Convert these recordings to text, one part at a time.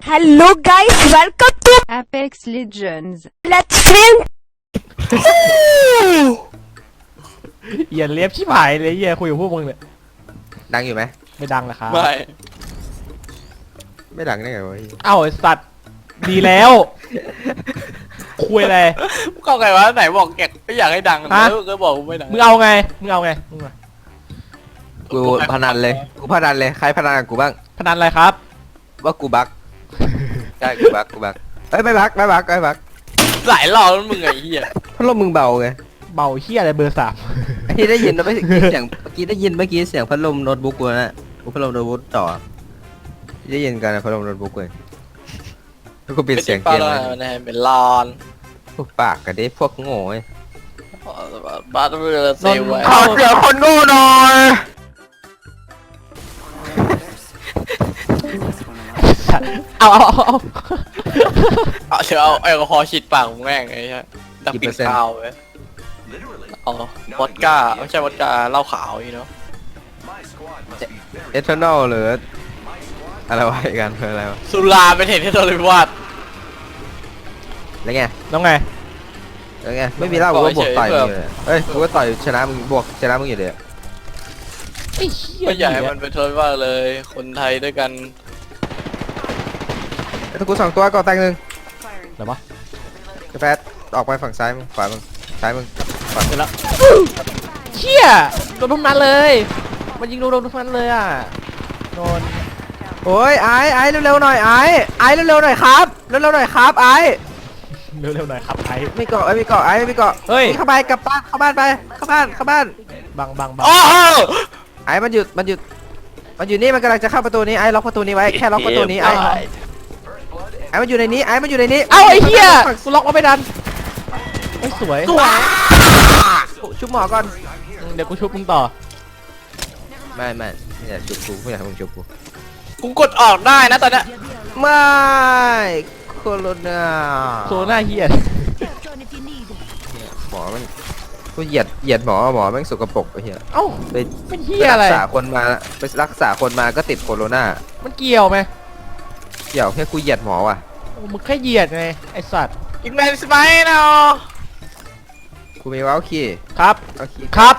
Hello guys, welcome to Apex Legends. Let's Film. อย่าเลียบชิบหายเลยอย่าคุยกับพวกมึงเลยดังอยู่ไหมไม่ดังเลยครับไม่ไม่ดังได้ไงวะเอ้าไอ้สัตว์ดีแล้วคุยอะไรก็ไงวะไหนบอกแกไม่อยากให้ดังฮะแล้วก็บอกไม่ดังมึงเอาไงมึงเอาไงมึงมากูพนันเลยกูพนันเลยใครพนันกับกูบ้างพนันอะไรครับว่ากูบักใช่กูบักเอ้ยไม่บักหลายรอบแล้วมึงไอ้เหี้ยพัดลมมึงเบาไงเบาเฮียอะไรเบอร์ 3 ไอ้ที่ได้ยินนะไม่เสียงเมื่อกี้ได้ยินเสียงพัดลมโน้ตบุ๊กกูนะกูพัดลมโน้ตบุ๊กต่อได้ยินกันนะพัดลมโน้ตบุ๊กเลยแล้วกูปิดเสียงเกมเลนะยเป็นลอนพวกปากกันดิพวกโง่ไอ้บ้านเรือเซลไว้ขอเสียงคนโง่หน่อยเอาเอาเดี๋ยวเอาแอลกอฮอล์ฉีดปากมึงแม่งไอ้เหี้ยดับกลิ่นคาวเว้ยอ๋อวอดก้าไม่ใช่วอดก้าเหล้าขาวอีเนาะเอทานอลหรืออะไรวะอีกกันคืออะไรวะสุราเป็นเหตุให้โดนวิวาทแล้วไงน้องไงไม่มีเหล้ากูก็บวกต่อยมึงเลยเอ้ยกูก็ต่อยชนะมึงบวกชนะมึงอยู่เลยไอ้เฮียไม่อยากให้มันเป็นโทษว่าเลย คนไทยด้วยกันถ้ากู2ตัวก่อแตงหนึ่งอะไรวะกาแฟออกไปฝั่งซ้ายมึงขวามึงซ้ายมึงขวาเสร็จแล้วเฮียโดนทุกนัดเลยมันยิงโดนทุกนัดเลยอ่ะโดนโอ้ยไอ้เร็วๆหน่อยไอ้เร็วๆหน่อยครับเร็วๆหน่อยครับไอ้เร็วๆหน่อยครับไอ้ไม่เกาะไม่เกาะไม่เกาะเฮ้ยเข้าไปกลับบ้านเข้าบ้านไปเข้าบ้านบังโอ้โหไอ้มันหยุดนี่มันกำลังจะเข้าประตูนี้ไอ้ล็อกประตูนี้ไว้แค่ล็อกประตูนี้ไอ้มันอยู่ในนี้ไอ้มันอยู่ในนี้เอ้าไอ้เฮียกูล็อกมาไม่ดันไอ้ยสวยชุบหมอก่อนเดี๋ยวกูชุบมึงต่อไม่อยากชุบกูไม่อยากให้มึงชุบกูกูกดออกได้นะตอนเนี้ยไม่โคโรนาโซน่าเฮียหมอมันกูเหยียดหมอแม่งสกปรกไอ้เหี้ยเอ้าไปเป็นเฮียอะไรรักษาคนมาก็ติดโคโรนามันเกี่ยวไหมเกี่ยวแค่กูเหยียดหมอว่ะโอ้มึงแค่เหยียดไงไอสัตว์อีกแมนสไปน์เนาะกูมีว้าวคีครับเอาคีครับ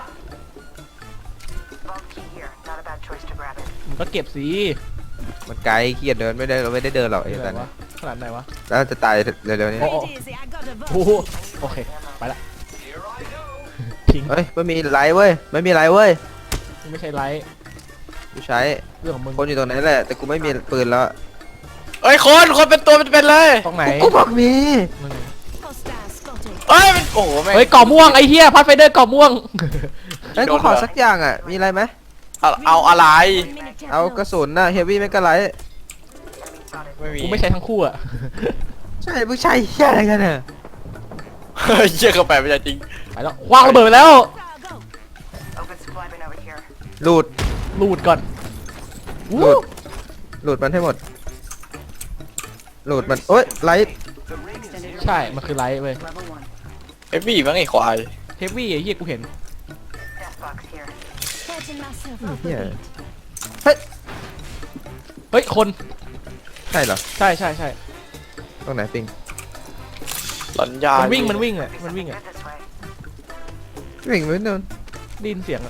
มึงก็เก็บสีมันไกลเกียดเดินไม่ได้เราไม่ได้เดินหรอกไอ้ไหนสันวะขนาดไหนวะแล้วจะตายเร็วๆนี้โอ้โอ้โหโอเคไปละทิ้งเฮ้ยไม่มีไลท์เว้ยไม่มีไลท์เว้ยมึงไม่ใช่ไลท์กูใช้เรื่องของมึงคนอยู่ตรงนั้นแหละแต่กูไม่มีปืนแล้วเอ้ยคนเป็นตัวเป็นเลยตรงไหนกูบอกมีมึงเอ้ยมันโอ้โหแม่งเฮ้ยก่อม่วงไอเฮียพัดไฟเดอร์ก่อม่วงเฮ้ยกูขอสักอย่างอ่ะมีอะไรไหมเอาอะไรเอากระสุนน่ะเฮฟวี่ไม่กระไลท์ไม่มีกูไม่ใช้ทั้งคู่อะใช่มึงใช่เหี้ยอะไรกันเนี่ยเฮ้ยเชี่ยเข้าไปไม่ได้จริงไปแล้ววางระเบิดไปแล้วหลุดลูดก่อนหลุดมันให้หมดหลุดมันโอ๊ยไลท์ใช่มันคือไลท์เว้ยเอฟวี่มั้งไอ้ควายเฮฟวี่ไอเฮียกูเห็นเหี้ยเฮ้ยคนใช่เหรอใช่ตรงไหนปิงหลอนยามัมันวิ่งอะวิ่งไม่โดนได้ยินเสียงอะ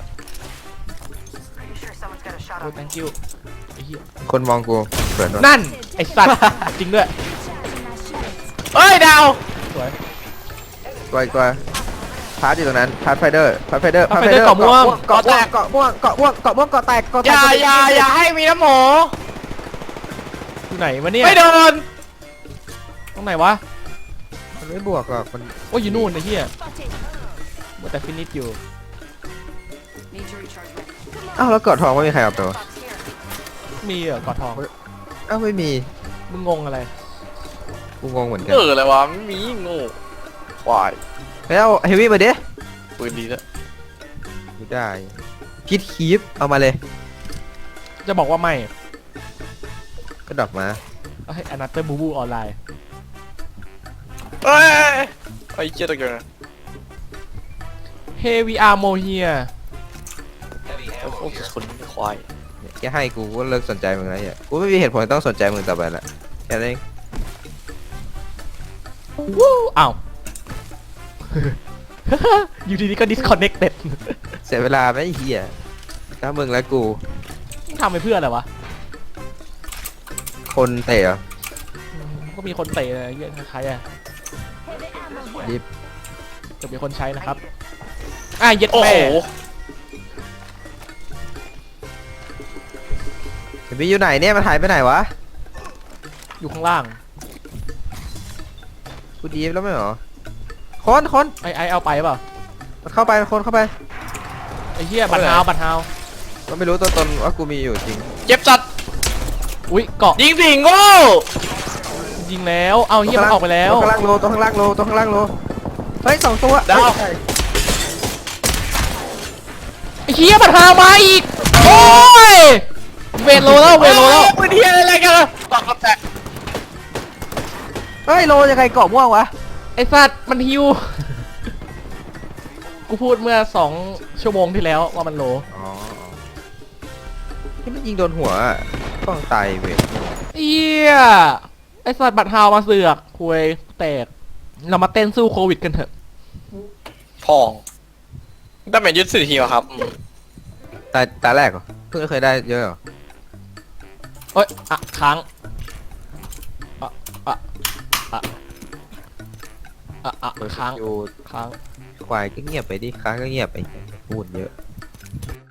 โอ้ thank you ไอ้เหี้ยคนมองกูเปิดโดนนั่นไอสัตว์ จริงด้วยเฮ้ยดาวสวยกว่าพาร์ทอยู่ตรงนั้นพาร์ทไฟเดอร์เกาะแตกเกาะแตกอย่าให้มีน้ำหมูอยู่ไหนวะเนี่ยไม่โดนตรงไหนวะมันไม่บวกหรอกมันโอ้ยอยู่นู่นไอ้เหี้ยมัวแต่ฟินิชอยู่อ้าวแล้วเกาะทองไม่มีใครเอาตัวมีเหรอกอดทองอ้าวไม่มีมึงงงอะไรกูงงเหมือนกันอะไรวะไม่มีงูควายแล้วเฮฟวี่มาดิปืนดีแล้วไม่ได้พิทคีฟเอามาเลยจะบอกว่าไม่ก็ดอกมาเอาให้อนาเตอร์บูบูออนไลน์เอ้ยไอ้เจี๊ยตะเกียบเฮวีอาร์โมเฮียโอ้ยคนควายแกให้กูก็เลิกสนใจมึงแล้วเนี่ยกูไม่มีเหตุผลต้องสนใจมึงต่อไปละแค่นั้นเองวู้อ้าว อยู่ดีๆก็ disconnected เสียเวลาไหมไอ้เหี้ยถ้ามึงและกูทำไปเพื่ออะไรวะคนเตะเหรอก็มีคนเตะเยอะใครอะดิบจะมีคนใช้นะครับเย็ดโอ้แม่โหเห็นพี่อยู่ไหนเนี่ยมันหายไปไหนวะอยู่ข้างล่างกูดีฟแล้วไม่เหรอคนไอเอาไปเปล่ามันเข้าไปคนเข้าไปไอเหี้ยบัตรฮาวบัตรฮาวมันไม่รู้ตัวตนว่ากูมีอยู่จริงเจ็บจัดอุ้ยเกาะยิงสิงโง่ยิงแล้วเอาเหี้ยมันออกไปแล้วตัวข้างล่างโลตัวข้างล่างโลตัวข้างล่างโลเฮ้ย2 ตัวดาวเฮ้ยไอเหี้ยบัตรฮาวมาอีกโอ้ยเวทโลแล้วเวทโลแล้วปืนเทียอะไรกันล่ะตอกกระแตกเฮ้ยโลยังไงเกาะม่วงวะไอสัตว์มันฮิว กูพูดเมื่อ2 ชั่วโมงที่แล้วว่ามันโลอ๋อที่มันยิงโดนหัวอะต้องตายเว้ยเอี้ยไอสัตว์บัตรฮาวมาเสือกคุยแตกเรามาเต้นสู้โควิดกันเถอะพองได้เป็นยึด4 ทีวะครับตาแรกเหรอเพิ่งเคยได้เยอะเหรอเอ้ยค้างค้างอยู่ค้างควายก็เงียบไปดิค้างก็เงียบไปพูดเยอะ